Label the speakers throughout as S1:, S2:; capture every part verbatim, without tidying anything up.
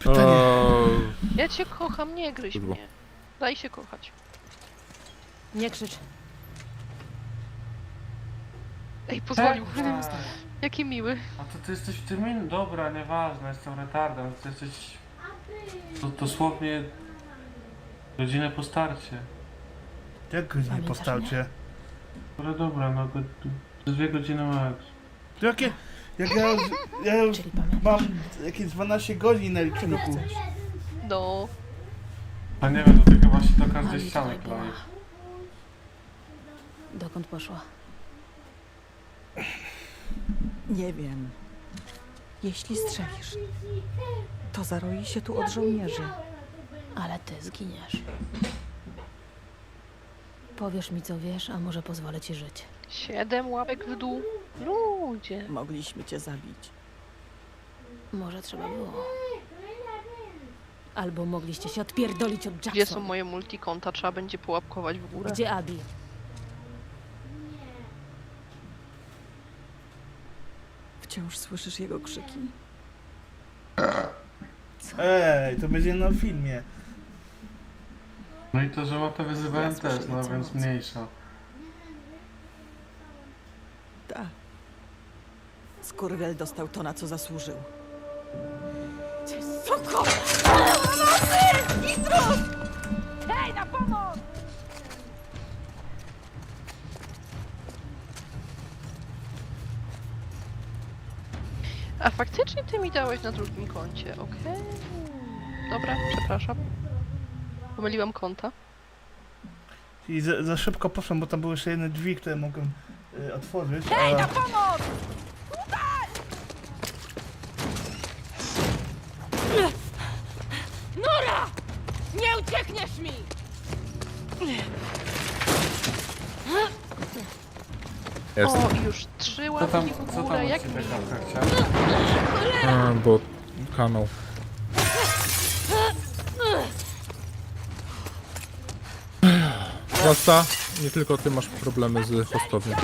S1: Pytanie.
S2: O,
S3: Ja cię kocham, nie gryź
S2: Kurwa.
S3: mnie. Daj się kochać.
S4: Nie krzycz.
S3: Ej, pozwolił.
S5: Tak.
S3: Jaki miły.
S5: A to ty jesteś w tym innym... Dobra, nieważne, jestem retardem. Ty jesteś... To, dosłownie... Godzinę po starcie.
S1: Jak go nie
S4: Pamiętasz
S1: postawcie?
S5: Ale dobra, no go... to dwie godziny max.
S1: To jakie... Jak ja już... Ja już
S4: Czyli pamiętasz.
S1: mam jakieś dwanaście godzin na
S4: Czy nie
S1: liczniku.
S4: chcesz?
S3: No.
S5: A nie wiem, to ty chyba się do każdej
S4: Ali
S5: ściany
S4: tutaj była.
S5: kleisz.
S4: Dokąd poszła?
S6: Nie wiem. Jeśli strzelisz, to zaroi się tu od żołnierzy.
S4: Ale ty zginiesz. Powiesz mi, co wiesz, a może pozwolę ci żyć.
S3: Siedem łapek w dół. Ludzie.
S6: Mogliśmy cię zabić.
S4: Może trzeba było. Albo mogliście się odpierdolić od
S3: Gdzie są
S4: Jacksona.
S3: moje multikonta? Trzeba będzie połapkować w górę.
S4: Gdzie Abi?
S6: Wciąż słyszysz jego krzyki.
S1: Ej, to będzie na filmie.
S5: No i to, że łapę wyzywałem
S6: Ja słyszę
S5: też, no
S6: nieco
S5: więc
S6: mocno.
S5: mniejsza.
S6: Tak. Skurwiel dostał to, na co zasłużył. Suko!
S4: Hej, na pomoc!
S3: A faktycznie ty mi dałeś na drugim koncie, okej. Dobra, przepraszam. Pomyliłam konta.
S1: I za, za szybko poszłem, bo tam były jeszcze jedne drzwi, które mogłem y, otworzyć.
S4: Hej,
S1: a...
S4: na pomoc! Nora! Nie uciekniesz mi!
S2: jest.
S3: O, i już trzy
S5: Co tam,
S3: łapki w
S5: co tam
S3: górę,
S5: od
S3: jak
S5: ciebie
S3: miło.
S5: Kawka chciała?
S2: A, bo kanał. Zwłaszcza nie tylko ty masz problemy z hostownią.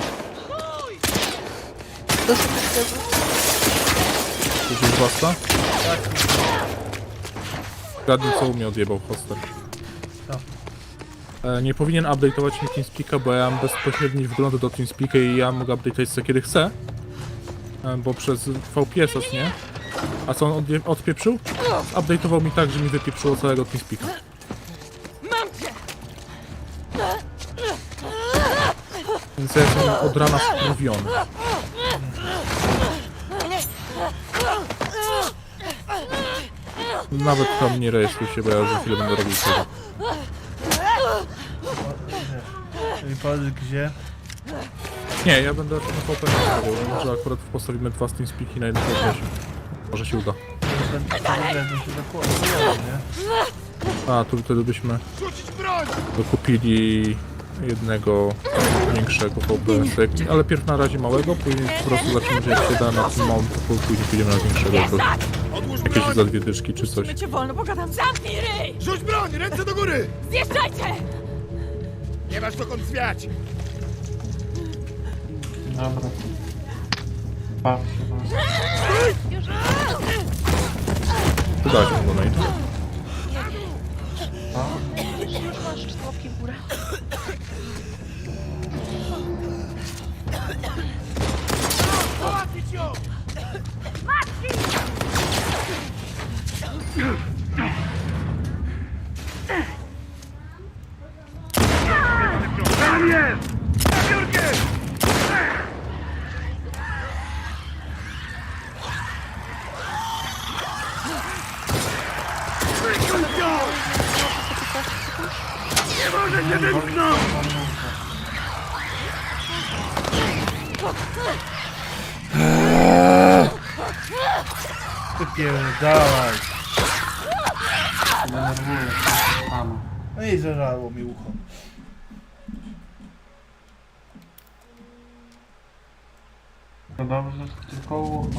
S2: Słyszysz zwłaszcza?
S1: Tak,
S2: Zgadnij, co u mnie odjebał hoster. E, nie powinien update'ować mi TeamSpeak'a, bo ja mam bezpośredni wgląd do TeamSpeak'a i ja mogę update'ować co kiedy chcę. E, bo przez V P S, nie? A co on odje- odpieprzył? Update'ował mi tak, że mi wypieprzyło całego TeamSpeak'a.
S4: Mam cię!
S2: Więc ja jestem od rana wkurwiony. Nawet tam nie rejestruj się, bo ja za chwilę będę robił tego.
S1: czyli powiedz gdzie.
S2: Nie, ja będę na V P S robił. Może akurat postawimy dwa TeamSpeak'i na jednym V P S. Może się uda.
S1: Będę się zakładał, nie?
S2: A, tu wtedy byśmy dokupili jednego większego V P S, ale pierw na razie małego, później po prostu zaczniemy, jak się da na tym małym, to później pójdziemy na większego. To jakieś za dwie dyszki czy coś.
S6: My cię wolno, pogadam.
S4: Zamknij ryj!
S7: Rzuć broń! Ręce do góry!
S4: Zjeżdżajcie!
S7: Nie masz dokąd zwiać!
S5: Dobra. Baw się was.
S2: Udać mu donate.
S3: Już, już masz cztery łapki w górę.
S7: Załatwić ją! Tam jest! Za biurkiem! Wyciąg ją! Nie może się wymknąć!
S1: Wypierdalaj.
S5: Denerwuję się. Tam.
S1: No i zażarło mi ucho.
S5: To dobrze, że tylko ucho.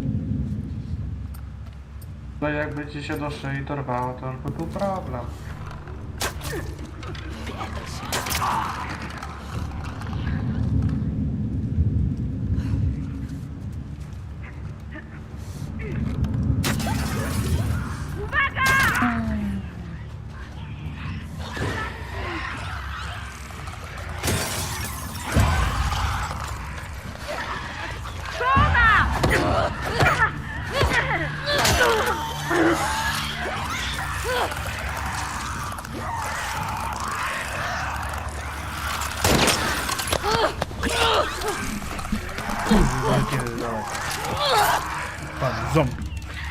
S5: No jakby ci się do szyi dorwało, to już by był problem.
S1: Wypierdalaj. Pan zombie.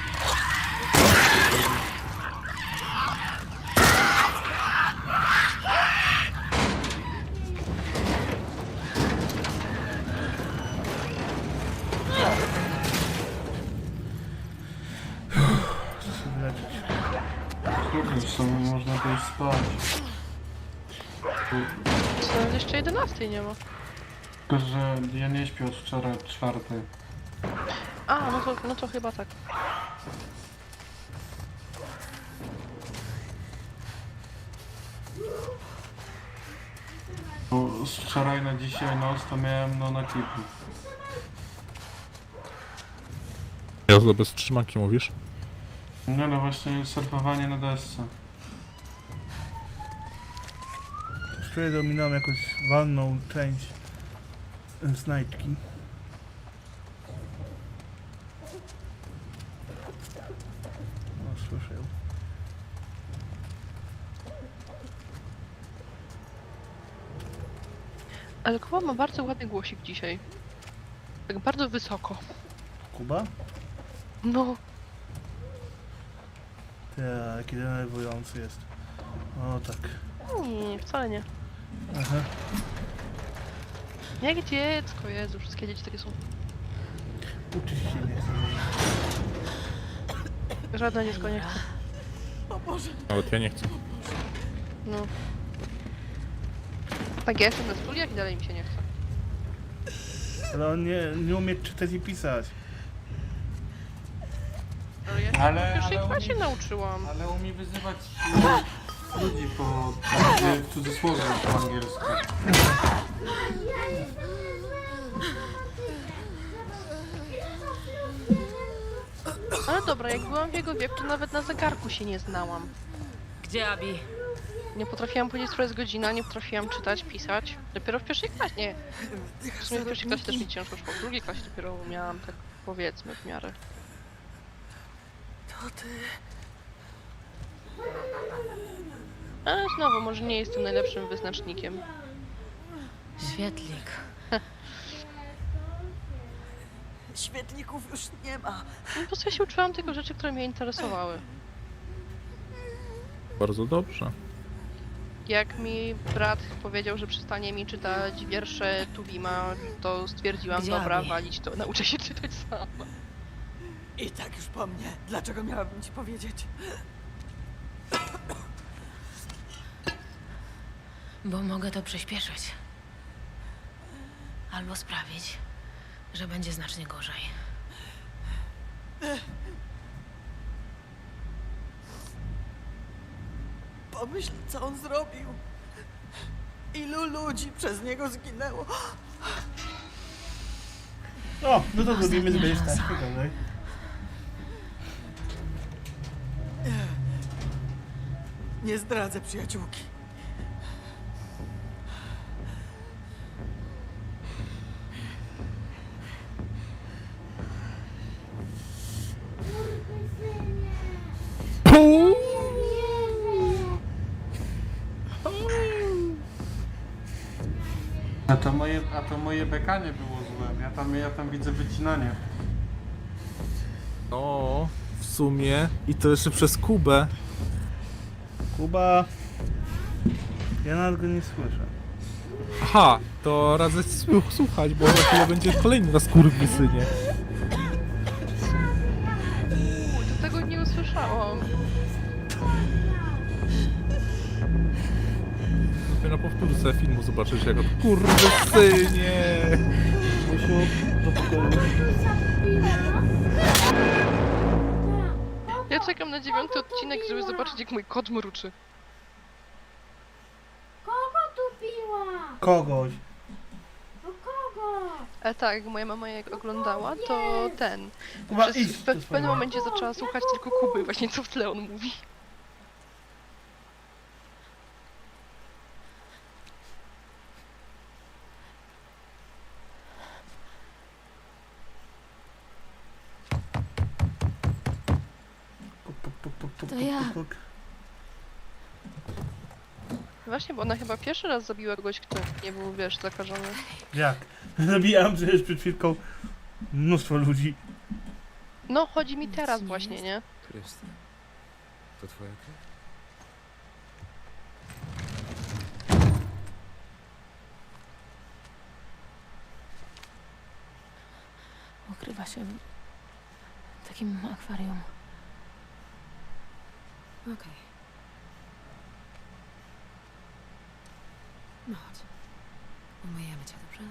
S1: Chcę się wyleczyć.
S5: Kurde, w sumie można by iść spać.
S3: Co, nawet jeszcze jedenastej nie ma.
S5: Tylko, że ja nie śpię od wczoraj od czwartej.
S3: A, no to, no to chyba tak.
S5: Bo z wczoraj na dzisiaj noc to miałem no na kipu.
S2: Jazda bez trzymanki mówisz?
S5: No no właśnie surfowanie na desce.
S1: Wczoraj dominowałem jakąś walną część e, znajdki. No, słyszę ją.
S3: Ale Kuba ma bardzo ładny głosik dzisiaj. Tak bardzo wysoko.
S1: Kuba?
S3: No,
S1: Ja, jaki denerwujący jest. O tak.
S3: nie, nie, wcale nie.
S1: Aha.
S3: Jak dziecko, Jezu, wszystkie dzieci takie są.
S1: Uczyć się nie chcę.
S3: Żadne dziecko nie chce.
S6: O Boże.
S2: Nawet ja nie chcę.
S3: No. Tak, ja jestem na studiach i dalej mi się nie chce.
S1: Ale on nie, nie umie czytać i pisać.
S3: Ale ja się
S5: Ale-
S3: w pierwszej
S5: ale
S3: klasie
S5: oni-
S3: nauczyłam.
S5: Ale umie wyzywać ludzi po w cudzysłowie po angielsku.
S3: Ale dobra, jak byłam w jego wieku, to nawet na zegarku się nie znałam.
S4: Gdzie Abi?
S3: Nie potrafiłam powiedzieć, która jest godzina, nie potrafiłam czytać, pisać. Dopiero w pierwszej klasie, nie. W sumie w pierwszej klasie też mi ciężko szło. W drugiej klasie dopiero miałam tak, powiedzmy, w miarę.
S6: To ty.
S3: Ale znowu, może nie jestem najlepszym wyznacznikiem.
S4: Świetlik.
S6: Świetlików już nie ma.
S3: No, po prostu ja się uczyłam tylko rzeczy, które mnie interesowały.
S2: Bardzo dobrze.
S3: Jak mi brat powiedział, że przestanie mi czytać wiersze Tuwima, to stwierdziłam,
S4: Gdzie
S3: dobra,
S4: Abi?
S3: walić to, nauczę się czytać sama.
S6: I tak już po mnie. Dlaczego miałabym ci powiedzieć?
S4: Bo mogę to przyspieszyć. Albo sprawić, że będzie znacznie gorzej.
S6: Pomyśl, co on zrobił. Ilu ludzi przez niego zginęło.
S1: O, no to zrobimy
S4: Ostatnia
S1: sobie
S4: szansa.
S1: tak, dalej.
S6: Nie zdradzę przyjaciółki.
S5: A to moje, a to moje bekanie było złe. Ja tam, ja tam widzę wycinanie.
S2: No, w sumie. I to jeszcze przez Kubę.
S1: Kuba. Ja nawet go nie słyszę.
S2: Aha, to radzę ci słuchać, bo za chwilę będzie kolejny raz kurwisynie.
S3: Uuu, to tego nie usłyszałam.
S2: Dopiero na powtórce filmu zobaczysz jak to kurwisynie.
S1: Musiu, do pokoju.
S3: Ja czekam na dziewiąty odcinek, żeby zobaczyć, jak mój kot mruczy.
S8: Kogo tu piła?
S1: Kogoś.
S8: No kogo?
S3: A tak, jak moja mama jak oglądała, to ten.
S1: Kuba,
S3: Przez,
S1: idź
S3: w,
S1: do
S3: w
S1: swojego.
S3: pewnym momencie zaczęła słuchać tylko Kuby, właśnie co w tle on mówi.
S4: To ja.
S1: puk, puk.
S3: Właśnie, bo ona chyba pierwszy raz zabiła kogoś, kto nie był, wiesz, zakażony.
S1: Jak? Zabijałem przecież przed chwilką mnóstwo ludzi.
S3: No, chodzi mi teraz właśnie, nie?
S9: Krystian, to twoja krew?
S4: Ukrywa się w takim akwarium. Okej. No chodź. Umyjemy cię, dobrze?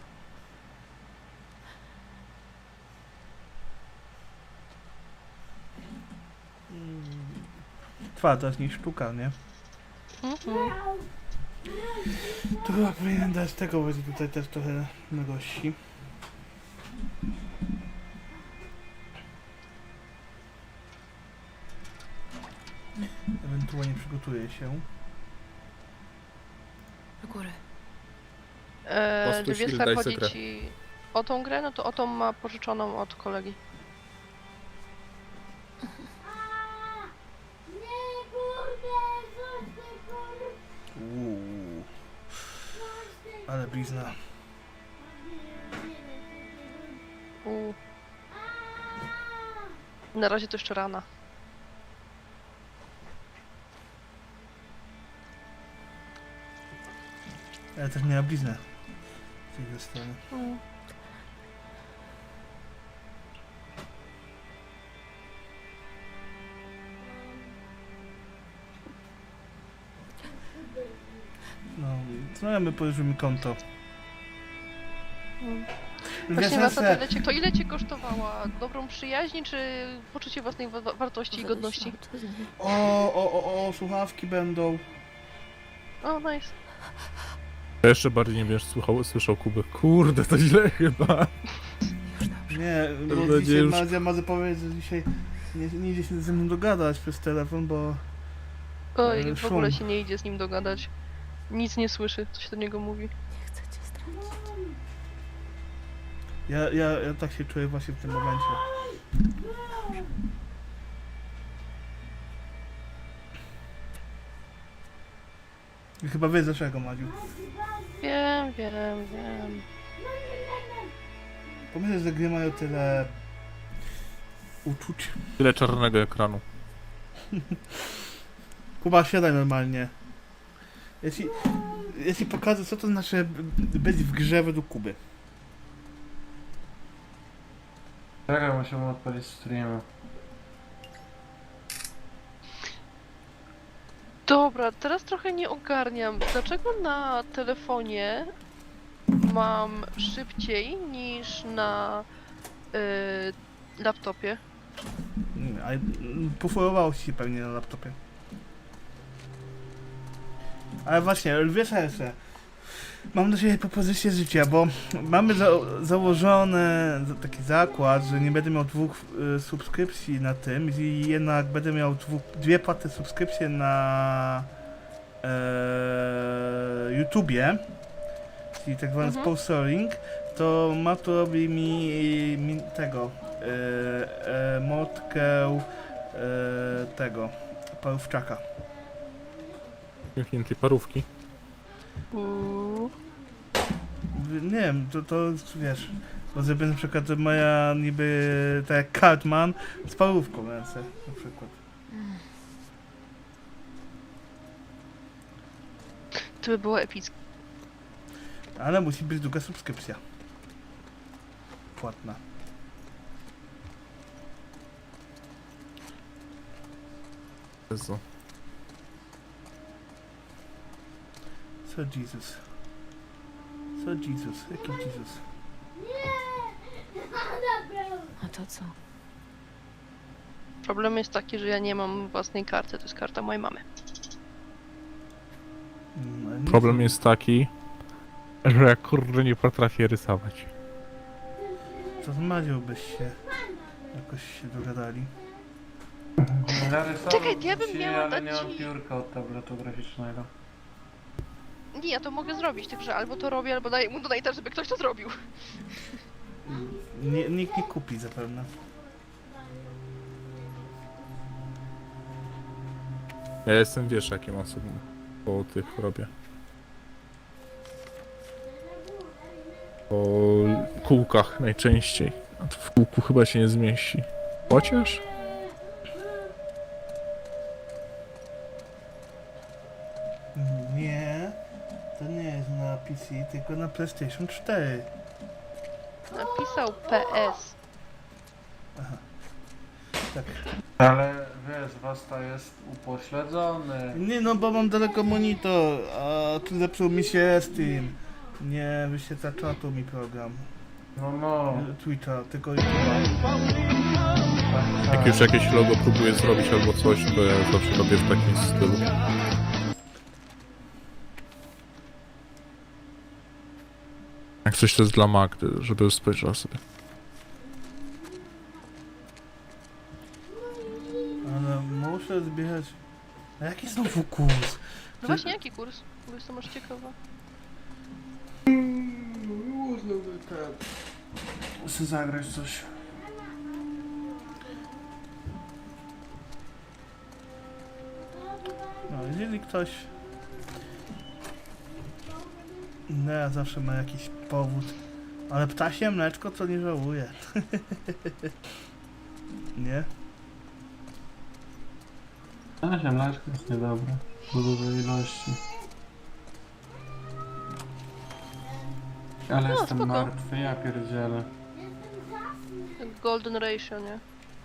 S1: Twarda z niej sztuka, nie?
S3: Mhm.
S1: To chyba powinien dać tego, będzie tutaj też trochę na gości. Ewentualnie przygotuję się.
S4: Do góry.
S3: Eee,
S2: Postuś,
S3: czy wiesz,
S2: daj
S3: jak chodzi
S2: sekret.
S3: ci o tą grę? No to o tą ma pożyczoną od kolegi.
S8: Nie, kurde, coś ty, kurde.
S1: Uuu. Ale blizna.
S3: U. Na razie to jeszcze rana.
S1: Ale też miała bliznę. Z tej strony.
S3: Mm.
S1: No, co my położymy konto?
S3: Mm.
S1: Wiesz,
S3: Właśnie was
S1: Ese,
S3: ile cię, to ile cię kosztowała? Dobrą przyjaźń, czy poczucie własnej wa wartości i godności?
S1: o, o, o, o, słuchawki będą.
S3: O, nice.
S2: Ja jeszcze bardziej nie będziesz słuchał, słyszał Kubę. Kurde, to źle chyba.
S1: Nie, bo
S2: będzie
S1: dzisiaj
S2: już-
S1: Madzia ma powiedzieć, że dzisiaj nie, nie idzie się ze mną dogadać przez telefon, bo...
S3: Oj,
S1: Ale
S3: w ogóle
S1: szum.
S3: się nie idzie z nim dogadać. Nic nie słyszy, co się do niego mówi.
S4: Nie chcę cię stracić.
S1: Ja, ja, ja tak się czuję właśnie w tym momencie. I chyba wiesz dlaczego, Madziu.
S3: Wiem, wiem, wiem.
S1: Pomyśl, że gry mają tyle... uczuć.
S2: Tyle czarnego ekranu.
S1: Kuba, siadaj normalnie. Ja ci, ja ci pokażę, co to znaczy b- być w grze według Kuby.
S5: Czekaj, musimy odpalić streama.
S3: Dobra, teraz trochę nie ogarniam. Dlaczego na telefonie mam szybciej niż na y, laptopie?
S1: Nie, a poforowało ci się pewnie na laptopie. Ale właśnie, wiesz jeszcze, mam do siebie propozycję życia, bo mamy za założony za- taki zakład, że nie będę miał dwóch y, subskrypcji na tym i jednak będę miał dwóch, dwie płatne subskrypcje na e, YouTubie, czyli tak zwany
S3: Mhm.
S1: sponsoring, to ma to robi mi, mi tego e, e, motkę e, tego parówczaka.
S2: Zamkniętej parówki.
S3: Uuu.
S1: Nie wiem, to, to wiesz, bo zrobię na przykład moja niby tak jak Cartman z parówką w ręce na przykład.
S3: To by było epickie.
S1: Ale musi być druga subskrypcja. Płatna.
S2: Jezu.
S1: Co Jesus? Co Jesus? Jaki Jesus?
S4: A to co?
S3: Problem jest taki, że ja nie mam własnej karty, to jest karta mojej mamy.
S1: Mm, ale nie
S2: Problem
S1: wiem.
S2: jest taki, że ja kurde nie potrafię rysować.
S1: To z Madzią byś się jakoś się dogadali.
S5: Narysował
S3: Czekaj, ja bym
S5: ci,
S3: miała
S5: ale
S3: dać
S5: nie mam
S3: ci-
S5: piórka od tabletu graficznego.
S3: Nie, ja to mogę zrobić, także albo to robię, albo daję mu donate'a, żeby ktoś to zrobił.
S1: Nie, nikt nie kupi zapewne.
S2: Ja jestem, wiesz, jakim osobą po tych robię. Po kółkach najczęściej. A to w kółku chyba się nie zmieści. Chociaż?
S1: Nie, to nie jest na P C, tylko na PlayStation cztery.
S3: Napisał P S.
S1: Tak.
S5: Ale wiesz, Wasta jest upośledzony.
S1: Nie no, bo mam daleko monitor, a tu zepsuł mi się Steam. Nie wyświetla czatu mi program.
S5: No no.
S1: Twitcha, tylko YouTube'a.
S2: Jak już jakieś logo próbuję zrobić albo coś, to ja zawsze robię w takim stylu. Jak coś to jest dla Magdy, żeby spojrzała sobie.
S1: Ale muszę zbierać... A jaki znowu kurs?
S3: No właśnie, jaki kurs? Bo jestem aż ciekawa.
S5: Można by tak. Muszę zagrać coś.
S1: No, jeżeli ktoś... No, ja zawsze ma jakiś powód. Ale ptasie mleczko to nie żałuję. Nie?
S5: A ziemlaczka jest niedobre. W dużej ilości. Ale
S3: No,
S5: jestem
S3: spoko.
S5: martwy, ja pierdzielę.
S3: Golden Ratio, nie?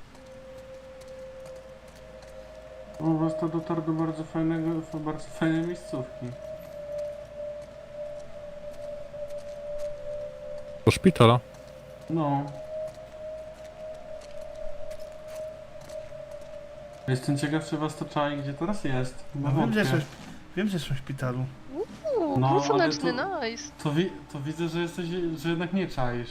S5: U was to dotarł do bardzo fajnego, bardzo fajnej miejscówki.
S2: Do szpitala.
S5: No. Jestem ciekaw, czy was to czai, gdzie teraz jest. Bo
S1: No, wiem, że
S5: wątpię.
S1: jesteś, wiem, że jesteś w szpitalu.
S3: Uuu,
S5: No,
S3: no,
S5: ale
S3: słoneczny,
S5: to-
S3: nice.
S5: To, wi to widzę, że jesteś, że jednak nie czaisz.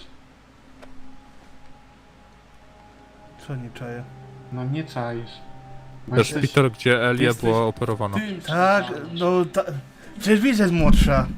S1: Co nie czaję?
S5: No nie czaisz. Bo
S2: To
S5: jesteś
S2: szpital, gdzie Elia
S5: jesteś
S2: była operowana.
S5: tym, co
S1: Tak,
S5: czaisz.
S1: no ta... Przecież widzę jest młodsza.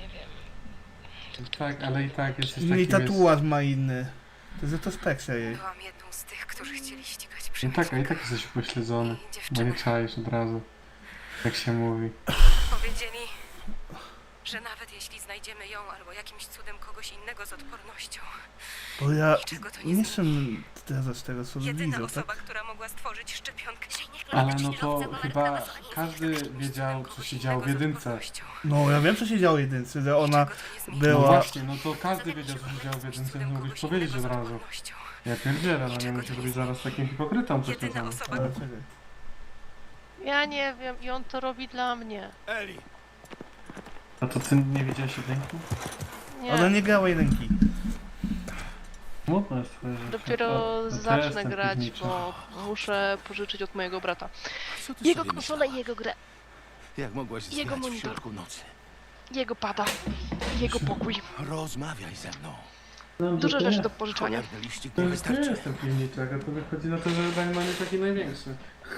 S5: Tak, ale i tak jesteś
S1: I
S5: taki...
S1: tatuaż ma inny. To jest retrospekcja jej.
S10: Byłam jedną z tych, którzy chcieli ścigać
S5: No
S10: przemytnika.
S5: tak, a i tak jesteś upośledzony.
S10: I
S5: Bo
S10: dziewczyny
S5: nie czaisz od razu. Jak się mówi.
S10: powiedzieli, że nawet jeśli znajdziemy ją albo jakimś cudem kogoś innego z odpornością,
S1: Bo ja
S10: niczego to nie
S1: nie
S10: zmieni.
S1: jestem teraz z tego co
S10: Jedyna
S1: widzę,
S10: osoba,
S1: tak?
S10: która mogła stworzyć szczepionkę,
S5: Ale no to chyba każdy wiedział, co się działo w jedynce.
S1: No ja wiem co się działo w jedynce, że ona
S5: No
S1: była...
S5: właśnie, no to każdy wiedział, co się działo w jedynce, nie mógłbyś powiedzieć od razu. Ja pierdzielę, no nie musisz być zaraz takim hipokrytą
S10: Jedyna
S5: pośledzonym.
S10: osoba,
S1: Ale czekaj.
S3: Ja nie wiem i on to robi dla mnie.
S7: Eli!
S5: A to ty nie widziałeś jedynki?
S3: Nie,
S1: Ona nie grała jedynki.
S5: Smutno jest twoje życie.
S3: dopiero
S5: O, to ja
S3: zacznę
S5: jestem
S3: grać,
S5: piwniczy.
S3: bo muszę pożyczyć od mojego brata.
S7: Co ty
S3: Jego
S7: sobie
S3: konsolę i
S7: myślałaś?
S3: jego grę,
S7: Jak mogłaś
S3: jego
S7: znać w
S3: monitor.
S7: środku nocy?
S3: jego pada, jego pokój.
S7: Rozmawiaj ze mną.
S5: No,
S3: Dużo
S5: to
S3: rzeczy
S5: nie.
S3: do pożyczania.
S7: Cholerny liścik
S5: To
S7: nie
S5: jest, to ja
S7: wystarczy.
S5: jestem piwniczak, a to wychodzi na to, że Dagman jest taki największy.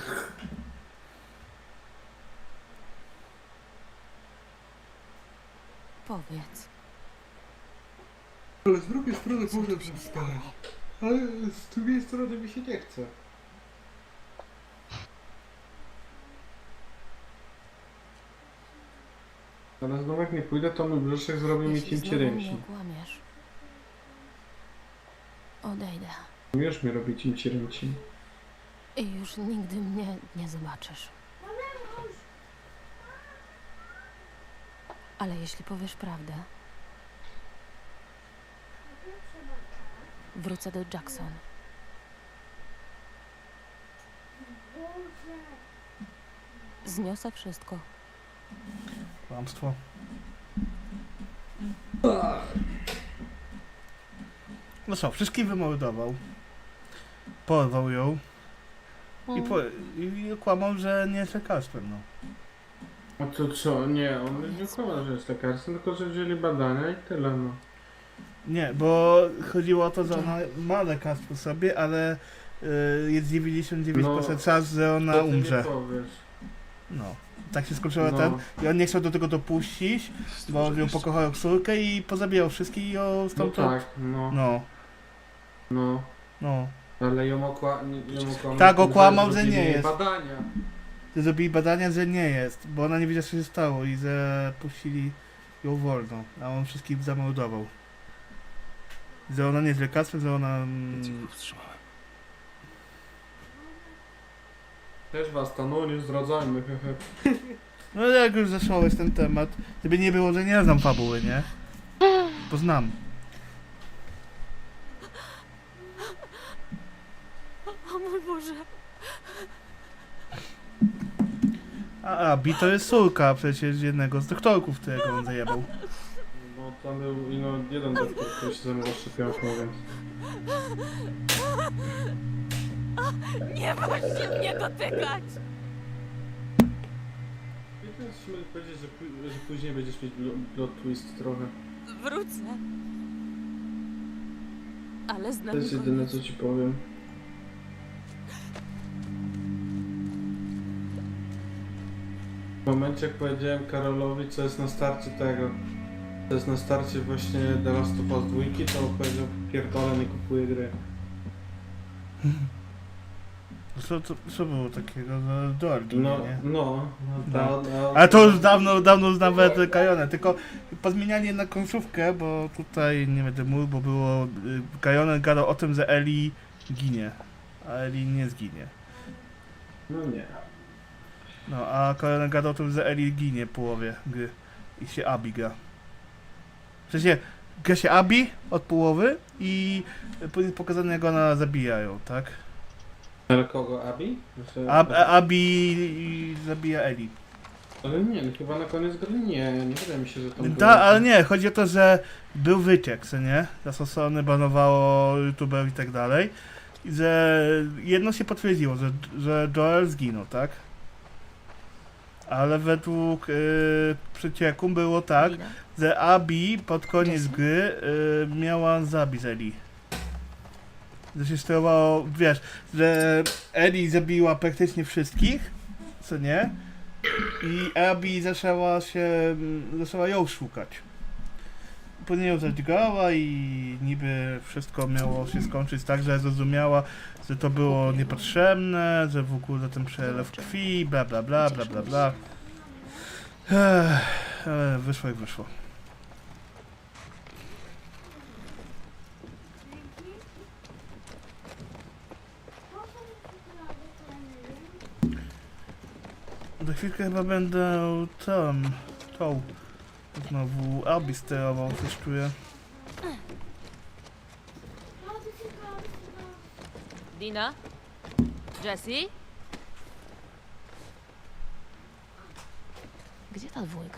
S4: Powiedz.
S5: Ale z drugiej strony
S4: Co tu się stało?
S5: Ale z drugiej strony mi się nie chce. Ale znowu jak nie pójdę, to mój brzuszek zrobi mi
S4: Jeśli
S5: cięcie
S4: znowu mnie
S5: ręki.
S4: okłamiesz, odejdę
S5: Już mi robi cięcie ręki.
S4: i już nigdy mnie nie zobaczysz. Ale jeśli powiesz prawdę, wrócę do Jackson. Zniosę wszystko.
S1: Kłamstwo. No co, wszystkich wymordował. Porwał ją i,
S3: Mm.
S1: po, i okłamał, że nie jest lekarstwem, no.
S5: A to co? Nie, on nie kłamał, że jest lekarzem, tylko że wzięli badania i tyle, no.
S1: Nie, bo chodziło o to, że ona ma lekarstwo sobie, ale y, jest dziewięćdziesiąt dziewięć procent
S5: No,
S1: szans, że ona
S5: To ty
S1: umrze.
S5: nie powiesz.
S1: No. Tak się skończyło
S5: No.
S1: ten. I on nie chciał do tego dopuścić, bo ją pokochał jak córkę i pozabijał wszystkich i ją
S5: No
S1: stamtąd...
S5: tak, no,
S1: No,
S5: no.
S1: no.
S5: Ale ją, okła ją okłamał.
S1: Tak,
S5: tym,
S1: okłamał, że
S5: zrobili
S1: nie
S5: jej
S1: jest.
S5: badania.
S1: że zrobili badania, że nie jest, bo ona nie wiedziała, co się stało i że puścili ją wolno, a on wszystkich zamordował. Że ona nie jest lekarstwem, że ona...
S9: Więc ich
S1: Mm,
S9: powstrzymałem.
S5: Też was to, no nie zdradzajmy, hehe.
S1: no jak już zacząłeś ten temat, gdyby nie było, że nie znam fabuły, nie? Bo znam.
S4: O mój Boże.
S1: A Abi to jest córka przecież jednego z doktorków, którego on zajebał.
S5: No tam był ino jeden doktor, który się zajmował szczepionką, więc...
S4: Nie możecie mnie dotykać!
S5: I teraz się mogę powiedzieć, że, pó- że później będziesz mieć blo- plot twist trochę.
S4: Wrócę. Ale
S5: To
S4: znam
S5: jest jedyne, co ci powiem. W momencie, jak powiedziałem Karolowi, co jest na starcie tego, co jest na starcie właśnie The Last of Us dwa, to on powiedział, pierdolę, nie kupuję gry.
S1: Co, co, co było takiego? No, Dorgi,
S5: No,
S1: nie?
S5: no, no, ta, no.
S1: Ale to już dawno, dawno już nawet Kajone, tylko pozmienianie na końcówkę, bo tutaj nie będę mówił, bo było... Kajone gadał o tym, że Eli ginie, a Eli nie zginie.
S5: No nie.
S1: No, a Kajone gadał o tym, że Eli ginie w połowie gry i się Abi gra. W sensie, gra się Abi od połowy i później jest pokazane, jak ona zabijają, tak?
S5: Ale kogo, Abi? Znaczy,
S1: Ab, Abi zabija Eli.
S5: Ale nie, no chyba na koniec gry nie, nie wydaje mi się, że tam
S1: Tak, ale nie, chodzi o to, że był wyciek, co nie? Zasosony, banowało youtuberów i tak dalej. I że jedno się potwierdziło, że, że Joel zginął, tak? Ale według y, przecieku było tak,
S4: Wina.
S1: że Abi pod koniec
S4: Jesse?
S1: gry y, miała zabić Eli. Że się sterowało, wiesz, że Eli zabiła praktycznie wszystkich, co nie? I Abi zaczęła się, zaczęła ją szukać. Później ją zadźgała i niby wszystko miało się skończyć tak, że zrozumiała, że to było niepotrzebne, że w ogóle ten przelew krwi, bla bla bla bla bla bla. Ech, ale wyszło jak wyszło. Za chwilkę chyba będę tam, tą, znowu Abi sterował, coś czuję.
S4: Dina? Jessie? Gdzie ta dwójka?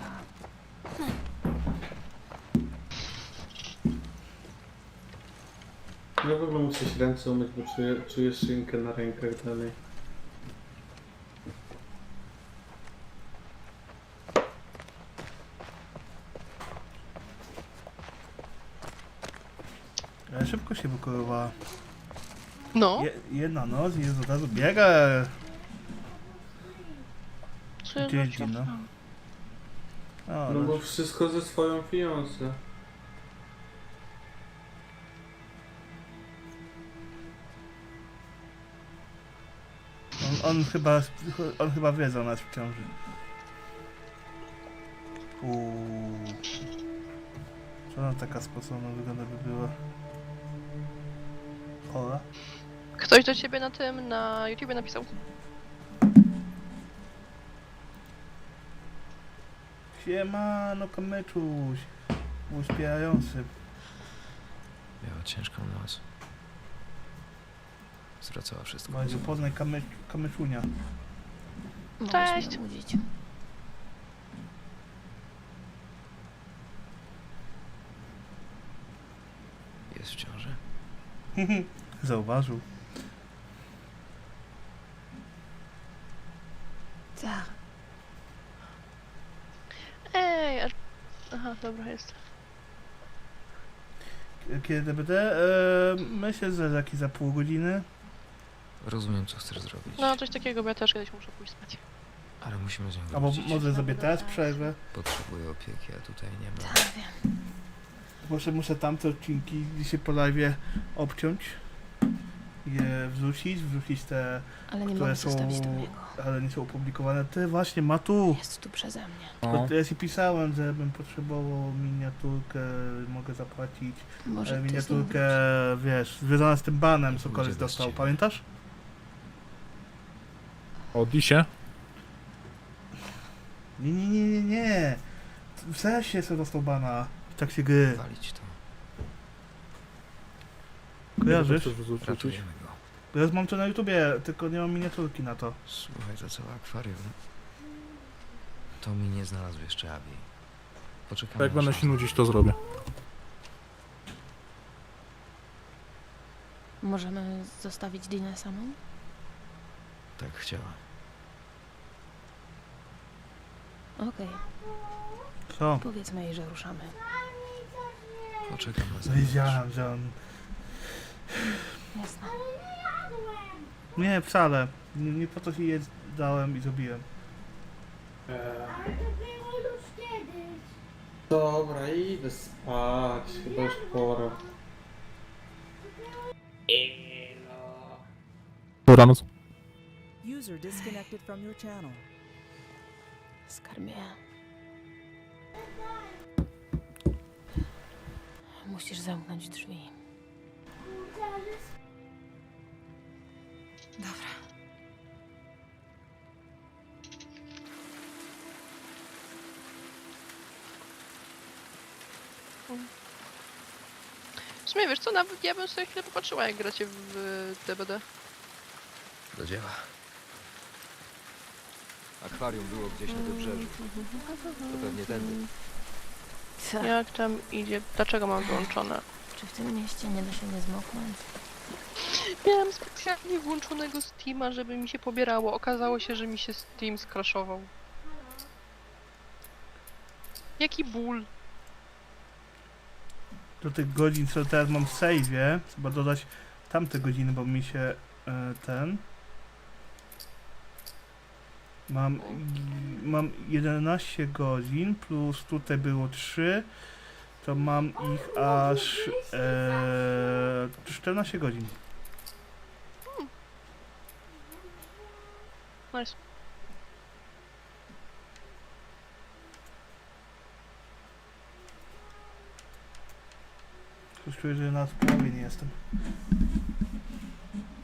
S5: Ja w ogóle muszę się ręce umyć, bo czuję, czuję szynkę na rękach dalej.
S1: Ale szybko się wykorowała.
S3: No,
S1: Je, jedna noc i jest od razu biega.
S3: co ja
S1: Gdzie jest
S3: wróciłam?
S1: Dino? O,
S5: No
S1: no.
S5: bo wszystko ze swoją fiancé.
S1: On, on chyba, on chyba wie, że ona jest w ciąży. Uuu. Co ona taka sposobna wygląda by była? Ola?
S3: Ktoś do ciebie na tym, na YouTubie napisał.
S1: Siemano, kamyczuś. Uśpierający.
S9: Miała ciężką noc. Zwracała wszystko.
S1: Bardzo poznaj kamy, kamyczunia.
S4: Mogłeś
S3: Cześć.
S4: mnie obudzić.
S9: Jest w ciąży.
S1: Zauważył.
S4: Tak.
S3: Ej, a... Aha, dobra, jest.
S1: Kiedy będę? E, myślę, że za jakieś za pół godziny.
S9: Rozumiem, co chcesz zrobić.
S3: No, coś takiego, bo ja też kiedyś muszę pójść spać.
S9: Ale musimy z nią
S1: Albo
S9: wrócić.
S1: może sobie teraz przerwę.
S9: Potrzebuję opieki, a tutaj nie ma.
S4: Tak, wiem.
S1: Może muszę tamte odcinki dzisiaj po live obciąć. je wrzucić, wrzucić te,
S4: Ale nie
S1: które
S4: mogę
S1: są,
S4: zostawić tu niego.
S1: ale nie są opublikowane. Ty właśnie, ma tu.
S4: Jest tu przeze mnie.
S2: No.
S1: To ja ci pisałem, że bym potrzebował miniaturkę, mogę zapłacić.
S4: Może
S1: Ale
S4: ty
S1: miniaturkę,
S4: z nim
S1: wiesz, związana z tym banem, co
S9: Pójdzie
S1: koleś
S9: bez
S1: dostał,
S9: ciebie.
S1: pamiętasz?
S2: O Disie?
S1: Nie, nie, nie, nie, nie. W sensie sobie dostał bana w trakcie gry.
S9: Walić to.
S1: Kojarzysz?
S2: Chcesz wrzucić?
S9: Ratujemy go.
S1: Bo ja mam to na YouTubie, tylko nie mam miniaturki na to.
S9: Słuchaj, to całe akwarium. To mi nie znalazł jeszcze Abi. Poczekamy
S2: Jak
S9: na
S2: będę
S9: szansę.
S2: się nudzić, to zrobię.
S4: Możemy zostawić Dinę samą?
S9: Tak chciała.
S4: Okej,
S1: Co?
S4: powiedzmy jej, że ruszamy.
S9: Poczekam na zewnątrz.
S1: Wiedziałem, że on...
S4: Jasne.
S1: Nie, wcale. Nie, nie po to się je dałem i zrobiłem.
S5: Eee,
S8: Ale to było już kiedyś.
S5: dobra, idę spać, chyba już pora.
S2: Dobranoc.
S6: User disconnected from your channel.
S4: Skarbie. Musisz zamknąć drzwi.
S10: Dobra.
S3: W sumie wiesz co, nawet ja bym sobie chwilę popatrzyła, jak gracie w y, D B D.
S9: Do dzieła. Akwarium było gdzieś na wybrzeżu. To pewnie tędy.
S4: Co?
S3: Jak tam idzie? Dlaczego mam wyłączone?
S4: Czy w tym mieście nie da się nie zmoknąć?
S3: Miałem specjalnie włączonego Steama, żeby mi się pobierało. Okazało się, że mi się Steam skraszował. Jaki ból.
S1: Do tych godzin, co teraz mam w save'ie, trzeba dodać tamte godziny, bo mi się e, ten... Mam, i- mam jedenaście godzin, plus tutaj było trzy, to mam ich aż e, czternaście godzin.
S3: Nice.
S1: Już czuję, że na połowie nie jestem.